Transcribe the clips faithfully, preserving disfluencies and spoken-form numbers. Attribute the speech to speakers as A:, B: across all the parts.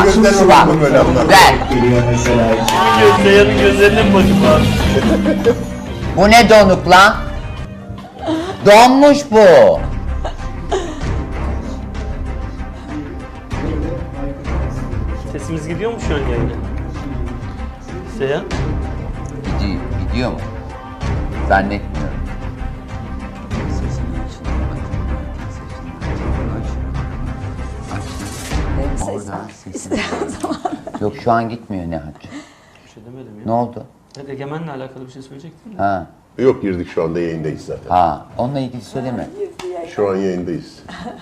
A: Gözlerine bakma böyle Allah.
B: Ver.
C: Seyhan'ın gözlerine mi bakayım abi?
B: Bu ne donuk lan? Donmuş bu.
C: Sesimiz gidiyor mu şu an yayına? Seyhan?
B: Gidiyor, gidiyor mu? Zannetmiyorum. Oradan sesini. Yok şu an gitmiyor Nihat.
C: Bir şey demedim ya.
B: Ne oldu?
C: Evet, Egemen'le alakalı bir şey söyleyecektin mi?
B: Ha.
A: Yok girdik şu anda yayındayız zaten.
B: Ha. Onunla ilgili söyleme.
A: Şu an yayındayız.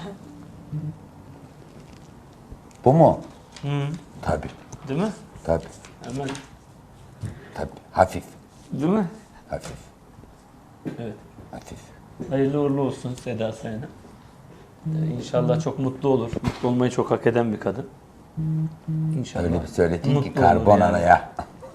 B: Bu mu?
C: Hı.
B: Tabii.
C: Değil mi?
B: Tabii.
C: Hemen.
B: Tabii. Hafif.
C: Değil mi?
B: Hafif.
C: Evet.
B: Hafif.
C: Hayırlı uğurlu olsun Seda Sayan'a. Ee, İnşallah çok mutlu olur. Mutlu olmayı çok hak eden bir kadın. İnşallah.
B: Öyle bir söyledin ki
C: Mutlu olur
B: karbonaraya.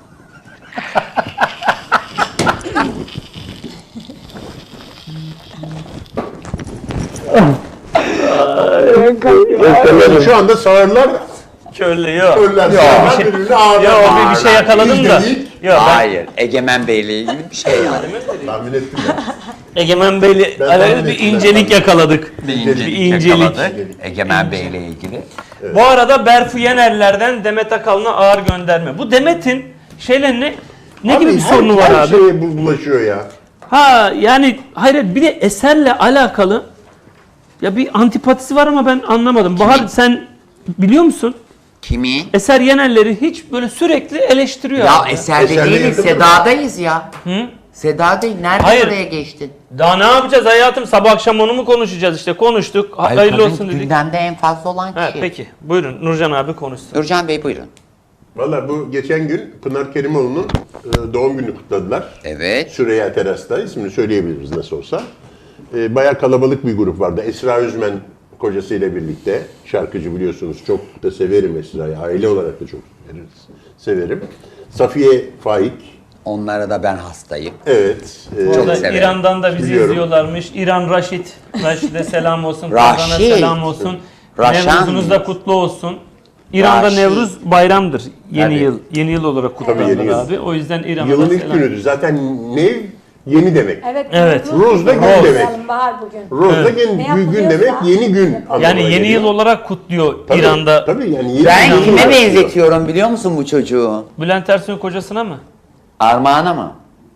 A: Şu anda sağırlar,
C: Şöyle yok.
A: körler,
C: Yok,
A: sağırlar
C: bir şey-
A: birbirine ağırlar.
C: Yok, bir- bir şey yakaladım da.
A: İzledik.
C: Yok, ben
B: Hayır. Egemen Bey'le ilgili bir şey yani.
A: Tahmin ettim ben.
C: Egemen Bey'le
A: Ben
C: alakalı
A: tahmin
C: bir
A: ettim,
C: incelik
A: ben.
C: yakaladık.
B: Bir
C: Bir
B: incelik,
C: incelik.
B: yakaladık. Egemen Bey'le ilgili.
C: Bu arada Berfu Yenerler'den Demet Akalın'a ağır gönderme. Bu Demet'in şeyle ne ne
A: Abi
C: gibi bir
A: her-
C: sorunu var
A: her
C: abi?
A: şeye bu- bulaşıyor ya.
C: Ha yani hayır bir de eserle alakalı ya bir antipatisi var ama ben anlamadım. Bahar sen biliyor musun?
B: Kimi?
C: Eser Yenerler'i hiç böyle sürekli eleştiriyor.
B: Ya
C: abi.
B: eserde
A: Eserle
B: değiliz,
A: yakın mı?
B: Seda'dayız ya.
C: Hı?
B: Seda değil. Nereden
C: Hayır.
B: oraya geçtin?
C: Daha ne yapacağız hayatım? Sabah akşam onu mu konuşacağız işte? Konuştuk. Ha-
B: Ay,
C: Hayırlı
B: kadın
C: olsun dedik.
B: gündemde en fazla olan kişi.
C: Ha, peki. Buyurun Nurcan abi konuşsun.
B: Nurcan Bey buyurun.
A: Valla bu geçen gün Pınar Kerimoğlu'nun e, doğum günü kutladılar.
B: Evet.
A: Süreyya Teras'ta, ismini söyleyebiliriz nasıl olsa. E, bayağı kalabalık bir grup vardı. Esra Özmen kocasıyla birlikte. Şarkıcı biliyorsunuz. Çok da severim Esra'yı. Aile olarak da çok severiz, severim. Safiye Faik.
B: Onlara da ben hastayım.
A: Evet. e,
C: Bu arada
B: severim.
C: İran'dan da bizi
A: Biliyorum.
C: izliyorlarmış. İran Raşit. Raşit'e selam olsun.
B: Raşit.
C: Ramazan'a selam olsun.
B: Raşan.
C: Nevruzunuz da kutlu olsun. İran'da
B: Raşit.
C: Nevruz bayramdır. Yeni
B: Tabii.
C: yıl. Yeni yıl olarak kutlanır
A: yeni yıl.
C: abi. O yüzden İran'a
A: Yılın
C: da
A: ilk
C: selam.
A: günüdür. Zaten nev yeni demek.
D: Evet.
C: Evet.
A: Rose da gün
D: Rose.
A: demek.
D: Bahar bugün.
A: Rose da
C: Evet.
A: gün,
D: Ne
A: gün
D: yapılıyorsa-
A: demek yeni gün. anlamına
C: Yani yeni
A: geliyor.
C: yıl olarak kutluyor
A: Tabii,
C: İran'da.
A: Tabii yani yeni
B: Ben
A: yıl
B: kime
A: olarak
B: benzetiyorum biliyor musun bu çocuğu?
C: Bülent Ersoy'un kocasına mı?
B: Armağan'a mı?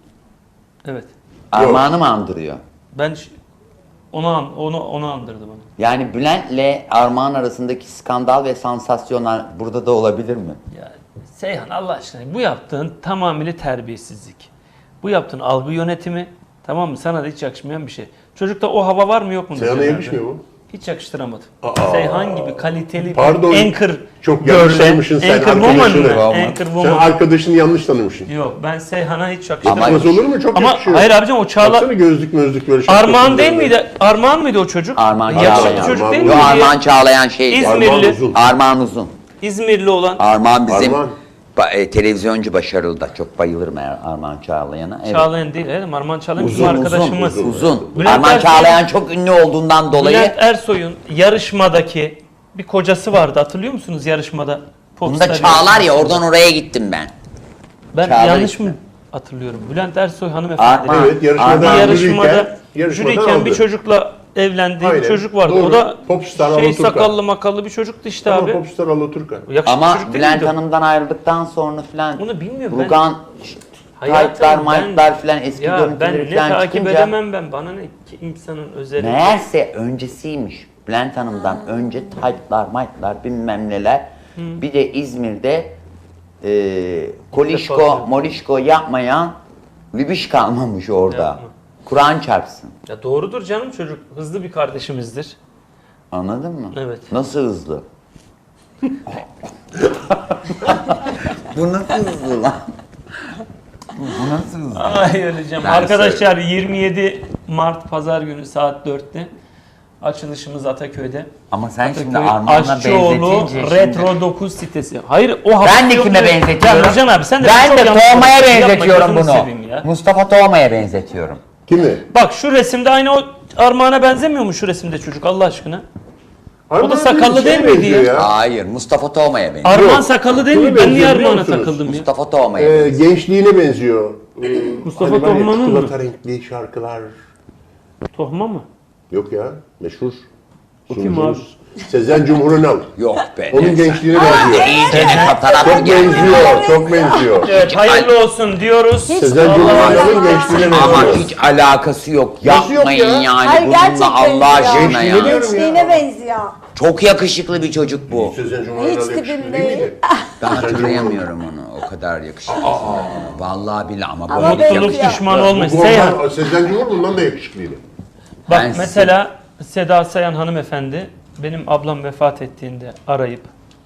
C: Evet.
B: Armağan'ı mı andırıyor?
C: Ben ş- onu an- onu onu andırdı bana.
B: Yani Bülent'le Armağan arasındaki skandal ve sansasyonlar burada da olabilir mi?
C: Ya Seyhan Allah aşkına bu yaptığın tamamıyla terbiyesizlik. Bu yaptığın algı yönetimi, tamam mı? Sana da hiç yakışmayan bir şey. Çocukta o hava var mı yok mu?
A: Seyhan'a
C: diyeceğim
A: yakışmıyor
C: ben.
A: mu?
C: Hiç yakıştıramadım.
A: Aa.
C: Seyhan gibi kaliteli
A: Pardon.
C: bir anchor.
A: Çok yanlış
C: görle-
A: tanımışsın sen
C: Anchor woman mı?
A: arkadaşını.
C: Anchor
A: Sen
C: woman.
A: arkadaşını yanlış tanımışsın.
C: Yok ben Seyhan'a hiç
B: Ama-
C: yakıştıramadım.
A: Nasıl olur mu? Çok
C: Ama
A: yakışıyor.
C: hayır abicim o Çağla...
A: Baksana gözlük mözlük böyle şapkası
C: Armağan değil
A: böyle.
C: miydi? Armağan mıydı o çocuk?
B: Armağan
C: Yakışıklı
B: Çağlayan.
C: çocuk
A: Armağan
C: değil
B: Yo
C: miydi? ya?
B: Armağan Çağlayan şeydi.
C: İzmirli.
A: Armağan uzun.
B: Armağan Uzun.
C: İzmirli olan.
B: Armağan bizim
A: Armağan.
B: ba- e, televizyoncu başarılı da. Çok bayılırım Er- Armağan Çağlayan'a. Evet.
C: Çağlayan değil, evet. Armağan Çağlayan bizim
B: Uzun,
C: arkadaşımız.
B: uzun, uzun.
C: Bülent
B: Armağan
C: Ersoy-
B: Çağlayan çok ünlü olduğundan dolayı
C: Bülent Ersoy'un yarışmadaki bir kocası vardı. Hatırlıyor musunuz yarışmada?
B: bunda
C: Popstar
B: Çağlar ya
C: yarışmasında.
B: oradan oraya gittim ben.
C: Ben
B: Çağlar
C: yanlış
B: işte.
C: mı hatırlıyorum? Bülent Ersoy hanımefendi.
B: Armağan.
A: Evet yarışmada
C: Bir
B: Armağan
C: yarışmada
A: yürürken, yarışmadan
C: jüriyken bir
A: aldı.
C: çocukla evlendiği
A: Aynen,
C: bir çocuk vardı.
A: doğru.
C: O da
A: Popstar
C: şey
A: Alaturka.
C: sakallı makallı bir çocuktu işte
A: Ama
C: abi.
A: Popstar Alaturka.
C: Yakışıklı
B: Ama
C: çocuk değil
B: Bülent
C: miydi o?
B: Hanım'dan ayrıldıktan sonra filan
C: Bunu bilmiyorum ben.
B: Rugan
C: Hayatım,
B: taytlar,
C: ben-
B: maytlar filan eski
C: Ya ben
B: görüntüleri
C: ne
B: filan
C: takip
B: çıkınca
C: edemem ben. Bana ne ki insanın özeli.
B: meğerse öncesiymiş. Bülent Hanım'dan önce taytlar, maytlar bilmem neler. Bir de İzmir'de e, kolişko,
C: Defa-
B: molişko yapmayan lübiş kalmamış orada.
C: Yapma.
B: Kur'an çarpsın.
C: Ya doğrudur canım çocuk. Hızlı bir kardeşimizdir.
B: Anladın mı?
C: Evet.
B: Nasıl hızlı? Bu nasıl hızlı lan? Bu nasıl hızlı?
C: Ay öleceğim.
B: Ben
C: Arkadaşlar yirmi yedi Mart Pazar günü saat dörtte açılışımız Ataköy'de.
B: Ama sen şimdi
C: Ataköy
B: Armağan'la
C: Aşçıoğlu
B: benzetince şimdi...
C: Retro dokuz sitesi. Hayır o hafta
B: Ben de
C: yok
B: kime
C: mu?
B: benzetiyorum?
C: Ya Nurcan abi sen de
B: ben
C: çok
B: de
C: yanlış
B: Toğma'ya
C: yapma,
B: benzetiyorum
C: gözünü
B: bunu.
C: seveyim ya.
B: Mustafa Toğma'ya benzetiyorum.
A: Kimi?
C: Bak şu resimde aynı o Armağan'a benzemiyor mu şu resimde çocuk Allah aşkına?
A: Arman
C: da
A: abi
C: sakallı
A: bir şeye
C: değil miydi
A: benziyor
C: ya?
B: Hayır, Mustafa Toğma'ya benziyor.
C: Arman
A: Yok.
C: sakallı değil
A: Kime
C: mi? Ben niye
A: benziyor biliyor
C: Arman'a
A: musunuz?
C: takıldım ya?
B: Mustafa Toğma'ya
A: Ee,
B: benziyor.
A: gençliğine benziyor. Ee,
C: Mustafa
A: hani var ya,
C: Tohman'ın mı?
A: çikolata renkli şarkılar.
C: Tohma mı?
A: Yok ya, meşhur.
C: O kim
A: sunucumuz. Sezen Cumhurunal.
B: Yok be.
A: Onun
B: ne sen.
A: gençliğine benziyor.
B: İyicene katarak mı
A: Çok
B: geldi?
A: benziyor, çok benziyor.
C: Evet, hayırlı olsun diyoruz.
A: Sezen
C: Allah
A: Cumhurunal'ın
C: Allah.
A: gençliğine
B: Ama
A: benziyor.
B: hiç alakası yok.
A: Nasıl yok
B: Yapmayın
A: ya?
B: yani
D: Hayır,
B: bununla
D: gerçekten
B: Allah
D: ya.
B: aşkına
A: Gençliğine
B: ya.
A: diyorum
D: Gençliğine benziyor.
B: Çok yakışıklı bir çocuk bu.
A: Sezen Cumhurunal
D: Hiç
A: yakışıklı
D: tipim
A: değil
D: değil.
A: miydi?
B: Ben hatırlayamıyorum onu. O kadar yakışıklı. Vallahi billahi ama
D: Ama
B: bu
D: ben-
C: Mutluluk
D: Ya.
C: düşmanı olmuş.
A: Bu
C: Seyhan.
A: ondan- Sezen Cumhurunal da yakışıklıydı.
C: Bak
B: Ben size-
C: mesela Seda Sayan hanımefendi benim ablam vefat ettiğinde arayıp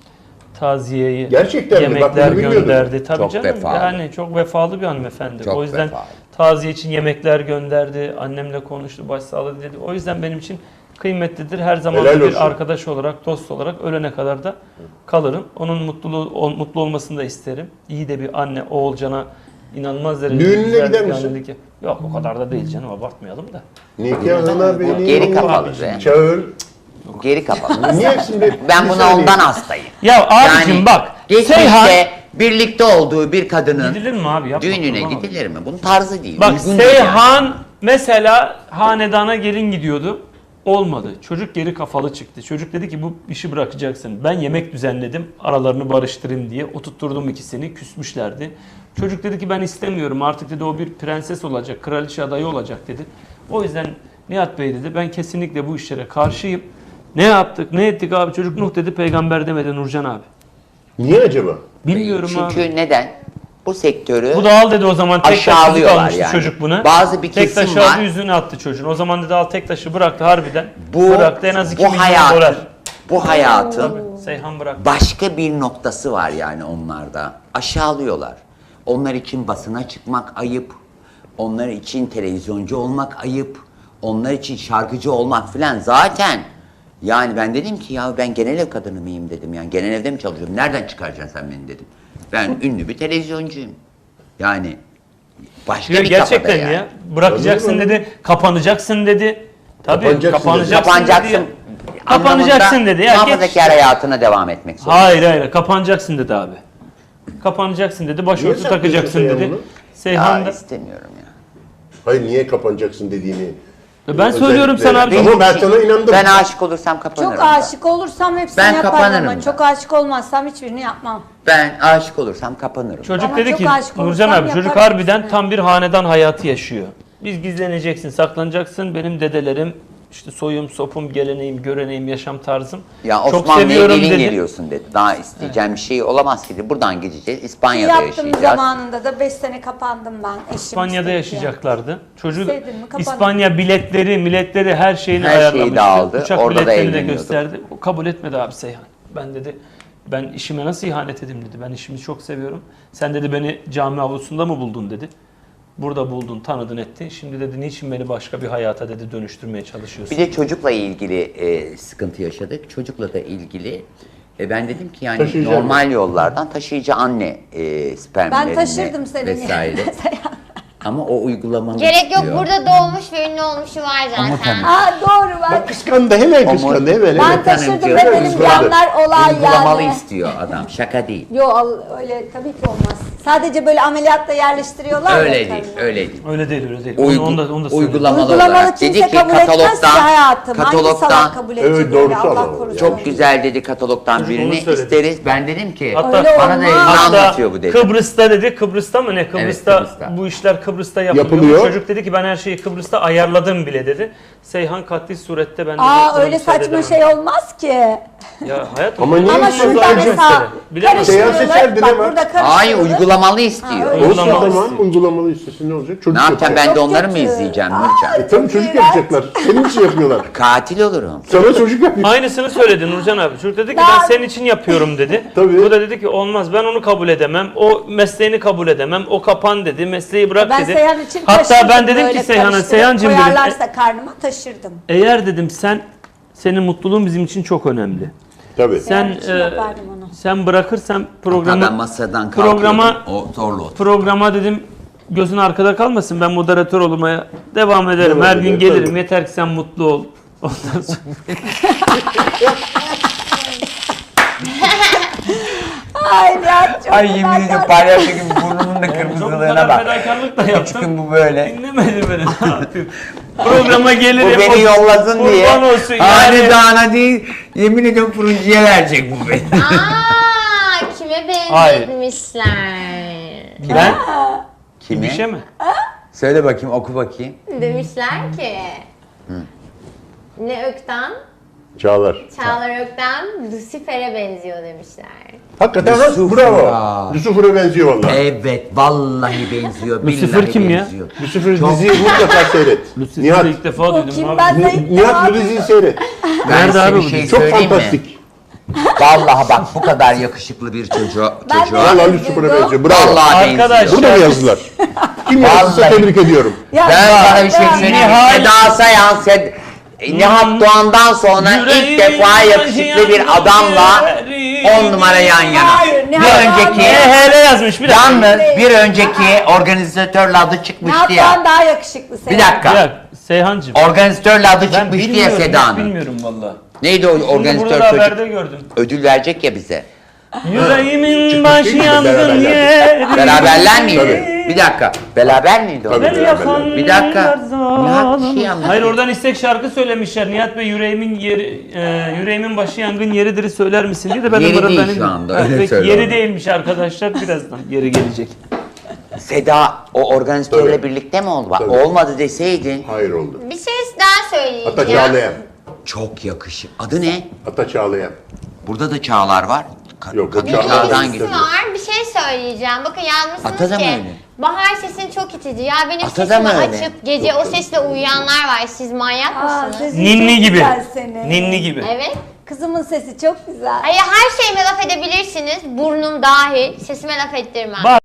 C: taziyeyi,
A: Gerçekten mi? Bak,
C: yemekler
A: bunu bilmiyordum.
C: gönderdi. Tabii
B: Çok
C: canım.
B: vefalı.
C: Yani çok vefalı bir hanımefendi.
B: Çok
C: o yüzden
B: vefalı.
C: taziye için yemekler gönderdi. Annemle konuştu, başsağlığı dedi. O yüzden benim için kıymetlidir. Her zaman
A: Helal
C: bir
A: olsun.
C: arkadaş olarak, dost olarak ölene kadar da kalırım. Onun mutluluğu ol- mutlu olmasını da isterim. İyi de bir anne Oğulcan'a inanılmaz derecede
A: Düğününe
C: güzel
A: gider
C: bir
A: misin?
C: annelik yap- Yok o kadar da değil canım, abartmayalım da.
A: Nikahına beni
B: Geri kapalı be.
A: çağır.
B: Geri kapalı.
A: Niye şimdi?
B: Ben
A: Bir
B: buna
A: saniye.
B: ondan hastayım.
C: Ya abicim
B: Yani
C: bak,
B: geçmişte
C: Seyhan
B: birlikte olduğu bir kadının
C: gidilir mi abi? Yapma,
B: düğününe
C: kurban olayım.
B: gidilir mi? Bunun tarzı değil.
C: Bak
B: uygun değil
C: Seyhan mesela hanedana gelin gidiyordu. Olmadı. Çocuk geri kafalı çıktı. Çocuk dedi ki bu işi bırakacaksın. Ben yemek düzenledim aralarını barıştırayım diye. Oturtturdum ikisini. Küsmüşlerdi. Çocuk dedi ki ben istemiyorum. Artık dedi o bir prenses olacak. Kraliçe adayı olacak dedi. O yüzden Nihat Bey dedi ben kesinlikle bu işlere karşıyım. Ne yaptık ne ettik abi? Çocuk Nuh dedi peygamber demedi Nurcan abi.
A: Niye acaba?
C: Bilmiyorum
B: Çünkü
C: abi.
B: neden? Bu sektörü
C: Bu da al dedi o zaman tek taşı
B: aşağılıyorlar
C: almıştı
B: yani.
C: çocuk buna.
B: Bazı bir
C: tek
B: kesim
C: taşı
B: var.
C: aldı yüzüne attı çocuğun. O zaman dedi al tek taşı bıraktı harbiden.
B: bu
C: bıraktı en az iki
B: bu
C: milyon
B: hayatın
C: dolar.
B: bu hayatın
C: Seyhan bıraktı.
B: başka bir noktası var yani onlarda. Aşağılıyorlar. Onlar için basına çıkmak ayıp. Onlar için televizyoncu olmak ayıp. Onlar için şarkıcı olmak filan zaten. Yani ben dedim ki ya ben genel ev kadını mıyım dedim yani genel evde mi çalışıyorum? Nereden çıkaracaksın sen beni dedim. Ben ünlü bir televizyoncuyum. Yani başka
C: Ya
B: bir
C: gerçekten
B: kafada yani.
C: ya. Bırakacaksın
A: Anladın mı?
C: dedi. Kapanacaksın dedi. Tabii
A: Kapanacaksın
C: kapanacaksın,
B: Kapanacaksın.
C: dedi. ya. Kapanacaksın dedi. Ya geç
B: Muhafazakar
C: işte.
B: hayatına devam etmek zorunda.
C: Hayır hayır kapanacaksın dedi abi. Kapanacaksın dedi. Başörtü
A: Niye saklıyorsun
C: takacaksın
A: Seyhan
C: dedi.
A: bunu?
C: Seyhan
B: Ya
C: da.
B: istemiyorum ya.
A: Hayır niye kapanacaksın dediğini.
C: Ben söylüyorum
A: Özellikle-
C: sana abi.
A: Ama ben sana inandım.
B: Ben aşık olursam kapanırım.
D: Çok
B: da.
D: aşık olursam hepsini
B: Ben
D: yaparım
B: kapanırım
D: ama
B: da.
D: çok aşık olmazsam hiçbirini yapmam.
B: Ben aşık olursam kapanırım.
C: Çocuk
D: Ama
C: dedi
D: çok
C: ki
D: aşık
C: Nurcan
D: olursam
C: abi çocuk
D: yaparım
C: harbiden
D: hepsini.
C: tam bir hanedan hayatı yaşıyor. Biz gizleneceksin, saklanacaksın. Benim dedelerim işte soyum, sopum, geleneğim, göreneğim, yaşam tarzım.
B: Ya
C: Çok
B: Osmanlı'ya
C: seviyorum
B: gelin
C: dedi.
B: geliyorsun dedi. Daha isteyeceğim bir şey olamaz ki dedi. Buradan gideceğiz. İspanya'da
D: Yaptığım
B: yaşayacağız.
D: zamanında da beş sene kapandım ben. Eşim
C: İspanya'da
D: istedi.
C: yaşayacaklardı. Çocuk
D: Sevdim mi, kapandım.
C: İspanya biletleri, milletleri her şeyini
B: Her şeyi
C: ayarlamıştı.
B: de aldı.
C: Uçak
B: Orada da
C: biletlerini de
B: evleniyordu.
C: gösterdi. O kabul etmedi abi Seyhan. Ben dedi ben işime nasıl ihanet edeyim dedi. Ben işimi çok seviyorum. Sen dedi beni cami avlusunda mı buldun dedi. Burada buldun, tanıdın, ettin. Şimdi dedi niçin beni başka bir hayata dedi dönüştürmeye çalışıyorsun?
B: Bir de çocukla ilgili e, sıkıntı yaşadık. Çocukla da ilgili e, ben dedim ki yani
A: Taşıyıcı
B: normal yollardan taşıyıcı anne e, spermlerini
D: Ben taşırdım senin
B: vesaire.
D: yerine.
B: Ama o uygulamalı
E: Gerek yok,
B: istiyor.
E: burada doğmuş ve ünlü olmuşu var
B: Ama
E: zaten.
B: tabii.
D: Aa doğru ben.
A: Bak kıskandı hemen kıskandı hemen
D: Ben
A: hemen.
D: taşırdım
B: Hanımcığım,
D: ve benim
A: kızmadı.
D: yanlar olay
B: Uygulamalı
D: yani.
B: istiyor adam. Şaka değil.
D: Yo al- öyle tabii ki olmaz. Sadece böyle ameliyatta yerleştiriyorlar
B: Öyle
D: ya
B: değil,
D: karını.
B: öyle değil.
C: Öyle değil, öyle değil.
B: Uygu-
C: onu, onu da, onu da söyleyeyim.
B: uygulamalı,
D: Uygulamalı
B: olarak
D: kimse
B: dedi ki
D: kabul etmez ki
B: katalogdan,
D: hayatım. Hangi salak
B: katalogdan
D: kabul edecek
A: Evet,
D: öyle,
A: doğrusu
D: Allah
A: ama
D: korusun.
B: çok güzel dedi katalogdan
C: Çocuk
B: birini
C: onu söyledi.
B: isteriz. Ben dedim ki
C: Hatta
D: Öyle
B: bana da
D: olmaz.
B: evini
C: Hatta
B: anlatıyor bu dedi.
C: Kıbrıs'ta dedi, Kıbrıs'ta mı ne? Kıbrıs'ta,
B: Kıbrıs'ta.
C: bu işler Kıbrıs'ta yapılıyor.
A: Yapılıyor.
C: Çocuk dedi ki ben her şeyi Kıbrıs'ta ayarladım bile dedi. Seyhan katli surette ben dedi,
D: Aa
C: buna
D: öyle
C: müsaade
D: saçma
C: edemem.
D: şey olmaz ki.
C: Ya hayatım.
A: Ama niye
D: Ama
A: Neyse,
D: şurada
A: zaten
D: mesela
C: Bilemem.
A: Seyahat
D: karıştırıyorlar.
A: seçerdi,
D: Bak
A: ne var?
D: burada
B: Hayır
D: karıştırıyorlar.
B: uygulamalı istiyor.
D: Ha, öyle.
A: Olsun
C: Uygulamalı
A: tamam
C: istiyor.
A: uygulamalı istesin ne olacak? Çocuk
B: Ne yapacağım ben
A: yapacak.
B: de
D: Çok
B: onları mı
D: kötü.
B: izleyeceğim
D: Aa,
B: Nurcan?
A: E, tabii çocuk yapacaklar. Senin için yapıyorlar.
B: Katil olurum.
A: Sana çocuk yapıyor.
C: Aynısını söyledi Nurcan abi. Çocuk dedi ki
D: Daha-
C: ben senin için yapıyorum dedi.
A: Tabii.
C: Bu da dedi ki olmaz ben onu kabul edemem. O mesleğini kabul edemem. O kapan dedi. Mesleği bırak
D: Ben
C: dedi.
D: Seyhan için
C: Hatta
D: taşırdım
C: ben dedim
D: böyle
C: ki Seyhan'a
D: karıştırıp
C: Seyhancığım dedim. e-
D: koyarlarsa karnıma taşırdım.
C: Eğer dedim sen senin mutluluğun bizim için çok önemli.
A: Tabii.
C: Sen
D: için
C: e,
D: yapardım onu.
C: sen bırakırsan
B: Hatta
C: programı
B: ben masadan kalkıyordum.
C: programa
B: O zorla otur.
C: programa dedim gözün arkada kalmasın. Ben moderatör olmaya devam ederim.
A: Devam
C: Her gün
A: eder,
C: gelirim.
A: tabii.
C: Yeter ki sen mutlu ol. Ondan sonra
D: Ay Nihat çok
B: Ay yemin ediyorum palyaço gibi burnumun da
C: çok
B: kırmızılığına
C: kadar
B: bak.
C: fedakarlık da
B: Küçüküm
C: yaptım.
B: bu böyle.
C: Dinlemedi beni. Ne yapayım? Programa
B: Bu
C: gelirim.
B: beni yollasın diye.
C: Kurban olsun yani.
B: Hanedana değil, yemin ediyorum fırıncıya verecek bu beni.
E: Aa, kime benzetmişler?
C: Ben
B: Kimi?
C: bir şey mi?
B: Söyle bakayım, oku bakayım.
E: Demişler ki ne Ökten,
A: Çağlar.
E: Çağlar Ökten Lucifer'e benziyor demişler.
A: Hakikaten lan,
B: Lucifer
A: bravo.
B: ya.
A: Lucifer'a benziyor vallahi.
B: Evet, vallahi benziyor.
C: Lucifer
B: billahi
C: kim ya?
B: benziyor.
A: Lucifer diziyi mutlaka seyret.
C: Lucifer'ı
A: Nihat,
C: ilk defa
D: O
C: duydum
D: kim
C: abi.
D: ben de ilk
A: Nihat bu
D: defa-
A: diziyi seyret.
B: Ben
C: Nerede
B: size
C: abi
B: bir
C: bu
B: şey
C: dizi?
A: Çok
B: söyleyeyim mi?
A: fantastik.
B: Vallahi bak bu kadar yakışıklı bir çocuğu.
D: Ben de-
B: çocuğa.
A: Vallahi Lucifer'a benziyor. Bravo.
B: Vallahi
C: Arkadaş.
B: benziyor.
A: Burada mı yazdılar? Kim yazdıysa
B: Vallahi.
A: tebrik ediyorum.
D: Ya
B: Ben sana bir şey
D: ben-
B: söyleyeyim.
C: Nihal-
B: Seda Sayan, Sed Nihat Doğan'dan sonra ilk defa yakışıklı bir adamla on numara yan yana.
D: Hayır,
B: Bir
D: Nihat Doğan
B: önceki,
C: E, hele yazmış bir dakika.
B: yalnız bir önceki organizatörle adı çıkmıştı
D: Nihat Doğan
B: ya.
D: daha yakışıklı senin.
B: Bir
C: Bir
B: dakika.
C: dakika. Seyhancığım.
B: Organizatörle adı
C: Ben
B: çıkmıştı ya
C: bilmiyorum, hiç
B: Seda'nın.
C: bilmiyorum valla.
B: Neydi o
C: Şimdi
B: organizatör
C: burada
B: çocuk?
C: haberde gördüm.
B: Ödül verecek ya bize.
C: Yüreğimin
A: Çıkmış
C: başı
A: değil mi?
C: yangın
A: Beraberler.
C: yeri.
B: Beraberler miydi?
A: Tabii.
B: Bir dakika. Beraber miydi o?
A: Tabii.
C: Beni yakan
B: Bir dakika.
C: yar
B: Nihat bir şey
C: zalim.
B: anlat.
C: Hayır oradan istek şarkı söylemişler. Nihat Bey yüreğimin yeri, e, yüreğimin başı yangın yeridir söyler misin diye de ben de
B: Yeri değil
C: mırıldanayım
B: şu
C: dedim.
B: anda,
C: Ha,
B: öyle
C: peki,
B: söyle
C: yeri
B: onu.
C: değilmiş arkadaşlar birazdan yeri gelecek.
B: Seda o organizatörle
A: Tabii.
B: birlikte mi oldu? Bak,
A: Tabii.
B: olmadı deseydin.
A: Hayır oldu.
E: Bir şey daha söyleyeceğim.
A: Ata Çağlayan.
B: Çok yakışık. Adı ne?
A: Ata Çağlayan.
B: Burada da Çağlar var. Ka-
A: Yok, o
B: kadın
A: Çağlar
B: Çağlar'dan
A: değil.
B: gidiyor.
E: var. Bir şey söyleyeceğim. Bakın yazmışsınız
B: Ata da mı
E: ki
B: öyle?
E: Bahar sesin çok itici. Ya benim
B: Ata da
E: sesimi
B: mı öyle?
E: açıp gece o sesle uyuyanlar var. Siz manyak
D: Aa,
E: mısınız?
D: sesin
C: Ninni
D: çok
C: gibi.
D: güzel senin.
C: Ninni gibi.
E: Evet.
D: Kızımın sesi çok güzel.
E: Hayır her şeyime laf edebilirsiniz. Burnum dahil. Sesime laf ettirmem.
C: Bak